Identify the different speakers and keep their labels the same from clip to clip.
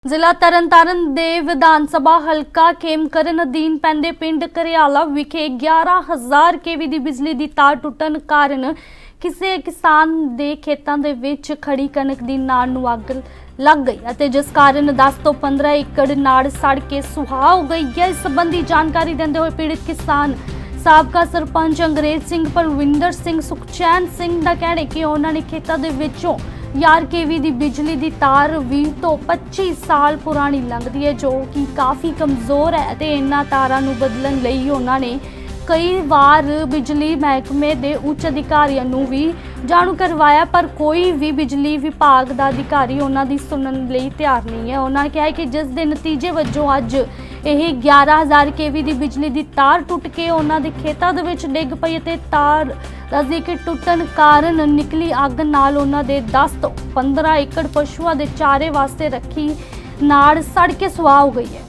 Speaker 1: ਜ਼ਿਲ੍ਹਾ ਤਰਨਤਾਰਨ ਦੇ ਵਿਧਾਨ ਸਭਾ ਹਲਕਾ ਖੇਮਕਰਨ ਅਧੀਨ ਪੈਂਦੇ ਪਿੰਡ ਘਰਿਆਲਾ ਵਿਖੇ 11,000 ਕੇਵੀ ਦੀ ਬਿਜਲੀ ਦੀ ਤਾਰ ਟੁੱਟਣ ਕਾਰਨ ਕਿਸੇ ਕਿਸਾਨ ਦੇ ਖੇਤਾਂ ਦੇ ਵਿੱਚ ਖੜੀ ਕਣਕ ਦੀ ਨਾੜ ਨੂੰ ਅੱਗ ਲੱਗ ਗਈ ਅਤੇ ਜਿਸ ਕਾਰਨ 10 ਤੋਂ 15 ਏਕੜ ਨਾੜ ਸੜ ਕੇ ਸੁਆਹ ਹੋ ਗਈ ਹੈ। ਇਸ ਸੰਬੰਧੀ ਜਾਣਕਾਰੀ ਦਿੰਦੇ ਹੋਏ ਪੀੜਿਤ ਕਿਸਾਨ ਸਾਬਕਾ ਸਰਪੰਚ ਅੰਗਰੇਜ਼ ਸਿੰਘ ਪਰਵਿੰਦਰ ਸਿੰਘ ਸੁਖਚੈਨ ਸਿੰਘ ਦਾ ਕਹਿਣਾ ਹੈ ਕਿ ਉਹਨਾਂ ਨੇ ਖੇਤਾਂ ਦੇ ਵਿੱਚੋਂ 11 ਕੇਵੀ ਦੀ ਬਿਜਲੀ ਦੀ ਤਾਰ 20 ਤੋਂ 25 ਸਾਲ ਪੁਰਾਣੀ ਲੰਘਦੀ ਹੈ ਜੋ ਕਿ ਕਾਫੀ ਕਮਜ਼ੋਰ ਹੈ ਤੇ ਇਹਨਾਂ ਤਾਰਾਂ ਨੂੰ ਬਦਲਣ ਲਈ ਉਹਨਾਂ ਨੇ ਕਈ ਵਾਰ ਬਿਜਲੀ ਮਹਿਕਮੇ ਦੇ ਉੱਚ ਅਧਿਕਾਰੀਆਂ ਨੂੰ ਵੀ ਜਾਣੂ ਕਰਵਾਇਆ ਪਰ ਕੋਈ ਵੀ ਬਿਜਲੀ ਵਿਭਾਗ ਦਾ ਅਧਿਕਾਰੀ ਉਹਨਾਂ ਦੀ ਸੁਣਨ ਲਈ ਤਿਆਰ ਨਹੀਂ ਹੈ। ਉਹਨਾਂ ਨੇ ਕਿਹਾ ਕਿ ਜਿਸ ਦੇ ਨਤੀਜੇ ਵਜੋਂ ਅੱਜ ਇਹ 11,000 ਕੇਵੀ ਦੀ ਬਿਜਲੀ ਦੀ ਤਾਰ ਟੁੱਟ ਕੇ ਉਹਨਾਂ ਦੇ ਖੇਤਾਂ ਦੇ ਵਿੱਚ ਡਿੱਗ ਪਈ ਅਤੇ ਤਾਰ ਦੱਸਦੀ ਕਿ ਟੁੱਟਣ ਕਾਰਨ ਨਿਕਲੀ ਅੱਗ ਨਾਲ ਉਹਨਾਂ ਦੇ 10 ਤੋਂ 15 ਏਕੜ ਪਸ਼ੂਆਂ ਦੇ ਚਾਰੇ ਵਾਸਤੇ ਰੱਖੀ ਨਾੜ ਸੜ ਕੇ ਸੁਆਹ ਹੋ ਗਈ ਹੈ।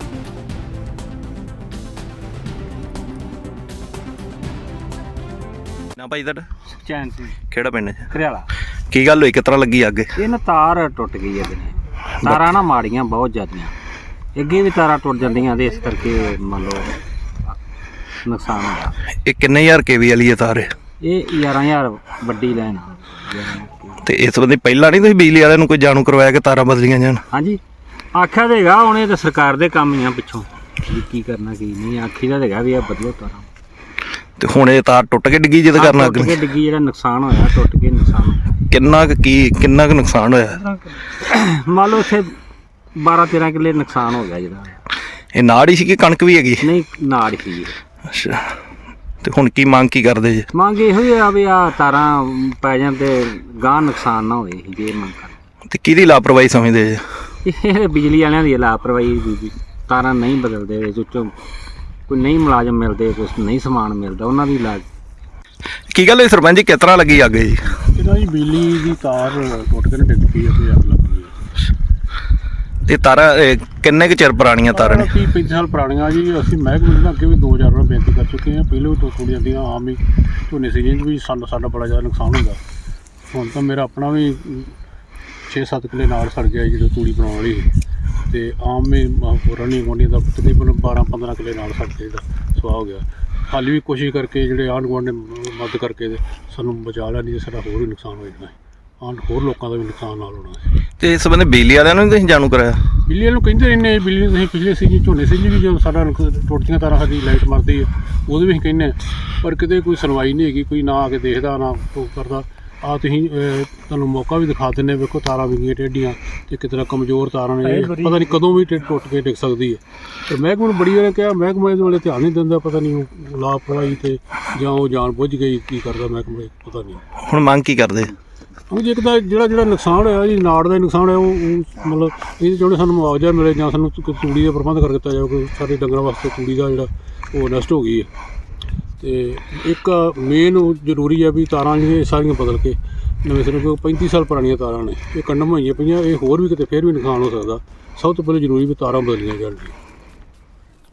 Speaker 2: ਨਾ ਭਾਈ ਤੁਹਾਡਾ
Speaker 3: ਸੁਖਚੈਨ ਸਿੰਘ
Speaker 2: ਕਿਹੜਾ ਪਿੰਡ ਹੈ?
Speaker 3: ਘਰਿਆਲਾ।
Speaker 2: ਕੀ ਗੱਲ ਹੋਈ, ਕਿਸ ਤਰ੍ਹਾਂ ਲੱਗੀ ਅੱਗ?
Speaker 3: ਇਹ ਨਾ ਤਾਰ ਟੁੱਟ ਗਈ ਹੈ ਦਿਨੇ। ਤਾਰਾਂ ਨਾ ਮਾੜੀਆਂ ਬਹੁਤ ਜ਼ਿਆਦੀਆਂ, ਅੱਗੇ ਵੀ ਤਾਰਾਂ ਟੁੱਟ ਜਾਂਦੀਆਂ ਤੇ ਇਸ ਕਰਕੇ ਮੰਨ ਲਓ ਨੁਕਸਾਨ ਹੋਇਆ।
Speaker 2: ਇਹ ਕਿੰਨੇ ਹਜ਼ਾਰ ਕੇਵੀ ਵਾਲੀ ਹੈ ਤਾਰ?
Speaker 3: ਇਹ 11,000 ਵੱਡੀ ਲੈਣ।
Speaker 2: ਤੇ ਇਸ ਸੰਬੰਧੀ ਪਹਿਲਾਂ ਨਹੀਂ ਤੁਸੀਂ ਬਿਜਲੀ ਵਾਲਿਆਂ ਨੂੰ ਕੋਈ ਜਾਣੂ ਕਰਵਾਇਆ ਕਿ ਤਾਰਾਂ ਬਦਲੀਆਂ ਜਾਣ?
Speaker 3: ਹਾਂਜੀ ਆਖਿਆ ਤਾਂ ਹੈਗਾ, ਹੁਣ ਇਹ ਤਾਂ ਸਰਕਾਰ ਦੇ ਕੰਮ ਹੀ ਆ ਪਿੱਛੋਂ ਵੀ ਕੀ ਕਰਨਾ ਕੀ ਨਹੀਂ। ਆਖੀ ਦਾ ਹੈਗਾ ਵੀ ਇਹ ਬਦਲੋ ਤਾਰਾਂ।
Speaker 2: ਤੇ ਹੁਣ ਇਹ ਤਾਰ ਟੁੱਟ ਕੇ ਡਿੱਗੀ ਜਿਹਦੇ ਕਾਰਨ ਅੱਗ
Speaker 3: ਟੁੱਟ ਕੇ ਡਿੱਗੀ, ਜਿਹੜਾ ਨੁਕਸਾਨ ਹੋਇਆ ਟੁੱਟ ਕੇ ਨੁਕਸਾਨ ਹੋਇਆ।
Speaker 2: ਕਿੰਨਾ ਕੁ ਨੁਕਸਾਨ ਹੋਇਆ?
Speaker 3: ਮੰਨ ਲਓ ਇੱਥੇ 12-13 ਕਿੱਲੇ ਨੁਕਸਾਨ ਹੋ ਗਿਆ ਜਿਹੜਾ।
Speaker 2: ਇਹ ਨਾੜ ਹੀ ਸੀ ਕਿ ਕਣਕ ਵੀ ਹੈਗੀ?
Speaker 3: ਨਹੀਂ ਨਾੜ ਸੀ।
Speaker 2: ਅੱਛਾ, ਤੇ ਹੁਣ ਕੀ ਮੰਗ ਕੀ ਕਰਦੇ ਜੀ?
Speaker 3: ਮੰਗ ਇਹੋ ਹੀ ਆ ਵੀ ਆ ਤਾਰਾਂ ਪੈ ਜਾਣ ਤੇ ਗਾਂ ਨੁਕਸਾਨ ਨਾ ਹੋਵੇ, ਜੇ ਮੰਗ ਕਰ।
Speaker 2: ਤੇ ਕਿਹਦੀ ਲਾਪਰਵਾਹੀ ਸਮਝਦੇ ਜੀ?
Speaker 3: ਇਹ ਬਿਜਲੀ ਵਾਲਿਆਂ ਦੀ ਲਾਪਰਵਾਹੀ ਦੀ ਤਾਰਾਂ ਨਹੀਂ ਬਦਲਦੇ, ਵਿੱਚੋਂ ਕੋਈ ਨਹੀਂ ਮੁਲਾਜ਼ਮ ਮਿਲਦੇ, ਕੁਛ ਨਹੀਂ ਸਮਾਨ ਮਿਲਦਾ, ਉਹਨਾਂ ਦੀ ਲਾਜ।
Speaker 2: ਕੀ ਗੱਲ ਹੋਈ ਸਰਪੰਚ ਜੀ, ਕਿਸ ਤਰ੍ਹਾਂ ਲੱਗੀ ਅੱਗ ਜੀ?
Speaker 4: ਇਹਦਾ ਜੀ ਬਿਜਲੀ ਦੀ ਤਾਰ ਟੁੱਟ ਕੇ ਡਿੱਗ ਪਈ ਅਤੇ ਅੱਗ ਲੱਗ ਗਈ ਹੈ।
Speaker 2: ਤੇ ਤਾਰਾਂ ਕਿੰਨੇ ਕੁ ਚਿਰ ਪੁਰਾਣੀਆਂ ਤਾਰਾਂ ਨੇ?
Speaker 4: 30-35 ਸਾਲ ਪੁਰਾਣੀਆਂ ਜੀ। ਅਸੀਂ ਮਹਿਕਮੇ ਦੇ ਅੱਗੇ ਵੀ 2000 ਵਾਰ ਬੇਨਤੀ ਕਰ ਚੁੱਕੇ ਹਾਂ। ਪਹਿਲਾਂ ਵੀ ਟੁੱਟ ਜਾਂਦੀਆਂ, ਆਮ ਹੀ ਝੋਨੇ ਸੀਜ਼ਨ 'ਚ ਵੀ ਸਾਡਾ ਬੜਾ ਜ਼ਿਆਦਾ ਨੁਕਸਾਨ ਹੁੰਦਾ। ਹੁਣ ਤਾਂ ਮੇਰਾ ਆਪਣਾ ਵੀ 6-7 ਕਿੱਲੇ ਨਾਲ ਸੜ ਗਿਆ ਜਦੋਂ ਤੂੜੀ ਬਣਾਉਣ ਵਾਲੀ ਸੀ, ਅਤੇ ਆਮ ਹੀ ਹੋਰਾਂ ਨਹੀਂ ਗੁਆਂਢੀਆਂ ਦਾ ਤਕਰੀਬਨ 12-15 ਕਿੱਲੇ ਨਾਲ ਸੜ ਕੇ ਜਿਹੜਾ ਸੁਆਹ ਹੋ ਗਿਆ। ਹਾਲੇ ਵੀ ਕੋਸ਼ਿਸ਼ ਕਰਕੇ ਜਿਹੜੇ ਆਂਢ ਗੁਆਂਢ ਨੇ ਮਦਦ ਕਰਕੇ ਤੇ ਸਾਨੂੰ ਬਚਾ ਲਿਆ, ਨਹੀਂ ਤਾਂ ਸਾਡਾ ਹੋਰ ਵੀ ਨੁਕਸਾਨ ਹੋ ਜਾਣਾ ਹੈ, ਹੋਰ ਲੋਕਾਂ ਦਾ ਵੀ ਨੁਕਸਾਨ ਨਾਲ ਹੋਣਾ ਸੀ।
Speaker 2: ਤੇ ਇਸ ਸੰਬੰਧੀ ਬਿਜਲੀ ਵਾਲਿਆਂ ਨੂੰ ਤੁਸੀਂ ਜਾਣੂ ਕਰਾਇਆ?
Speaker 4: ਬਿਜਲੀ ਵਾਲੇ ਨੂੰ ਕਹਿੰਦੇ ਰਹਿੰਦੇ, ਬਿਜਲੀ ਨੂੰ ਤੁਸੀਂ ਪਿਛਲੇ ਸੀਜ਼ਨ ਝੋਨੇ ਸੀਜ਼ਨ ਵੀ ਜਦੋਂ ਸਾਡਾ ਟੁੱਟਦੀਆਂ ਤਾਰਾਂ ਸਾਡੀ ਲਾਈਟ ਮਰਦੀ ਹੈ ਉਹਦੇ ਵੀ ਅਸੀਂ ਕਹਿੰਦੇ ਹਾਂ, ਪਰ ਕਿਤੇ ਕੋਈ ਸੁਣਵਾਈ ਨਹੀਂ ਹੈਗੀ, ਕੋਈ ਨਾ ਆ ਕੇ ਦੇਖਦਾ ਨਾ ਉਹ ਕਰਦਾ। ਆ ਤੁਸੀਂ ਤੁਹਾਨੂੰ ਮੌਕਾ ਵੀ ਦਿਖਾ ਦਿੰਦੇ, ਵੇਖੋ ਤਾਰਾਂ ਵਿੰਗੀਆਂ ਟੇਢੀਆਂ ਅਤੇ ਕਿਸ ਤਰ੍ਹਾਂ ਕਮਜ਼ੋਰ ਤਾਰਾਂ ਨੇ, ਪਤਾ ਨਹੀਂ ਕਦੋਂ ਵੀ ਟੁੱਟ ਕੇ ਡਿੱਗ ਸਕਦੀ ਹੈ। ਅਤੇ ਮਹਿਕਮੇ ਨੂੰ ਬੜੀ ਵਾਰ ਕਿਹਾ, ਮਹਿਕਮਾ ਇਹਦੇ ਵਾਲੇ ਧਿਆਨ ਨਹੀਂ ਦਿੰਦਾ, ਪਤਾ ਨਹੀਂ ਉਹ ਲਾਪਰਵਾਹੀ ਅਤੇ ਜਾਂ ਉਹ ਜਾਣ ਬੁੱਝ ਗਈ ਕੀ ਕਰਦਾ ਮਹਿਕਮਾ, ਪਤਾ ਨਹੀਂ। ਹੁਣ
Speaker 2: ਮੰਗ ਕੀ ਕਰਦੇ?
Speaker 4: ਜੇ ਇੱਕ ਤਾਂ ਜਿਹੜਾ ਨੁਕਸਾਨ ਹੋਇਆ ਜੀ, ਨਾੜ ਦਾ ਨੁਕਸਾਨ ਹੋਇਆ, ਉਹ ਮਤਲਬ ਇਹਦੇ ਚਾਹੁੰਦੇ ਸਾਨੂੰ ਮੁਆਵਜ਼ਾ ਮਿਲੇ ਜਾਂ ਸਾਨੂੰ ਤੂੜੀ ਦਾ ਪ੍ਰਬੰਧ ਕਰ ਦਿੱਤਾ ਜਾਵੇ, ਕੋਈ ਸਾਡੇ ਡੰਗਰਾਂ ਵਾਸਤੇ ਤੂੜੀ ਦਾ ਜਿਹੜਾ ਉਹ ਨਸ਼ਟ ਹੋ ਗਈ ਹੈ। ਅਤੇ ਇੱਕ ਮੇਨ ਜ਼ਰੂਰੀ ਹੈ ਵੀ ਤਾਰਾਂ ਜਿਹੜੀਆਂ ਸਾਰੀਆਂ ਬਦਲ ਕੇ ਨਵੇਂ ਸਿਰੇ, ਕੋਈ 35 ਸਾਲ ਪੁਰਾਣੀਆਂ ਤਾਰਾਂ ਨੇ, ਇਹ ਕੰਡਮ ਹੋਈਆਂ ਪਈਆਂ, ਇਹ ਹੋਰ ਵੀ ਕਿਤੇ ਫਿਰ ਵੀ ਨੁਕਸਾਨ ਹੋ ਸਕਦਾ। ਸਭ ਤੋਂ ਪਹਿਲਾਂ ਜ਼ਰੂਰੀ ਵੀ ਤਾਰਾਂ ਬਦਲੀਆਂ ਜਾਣ ਜੀ।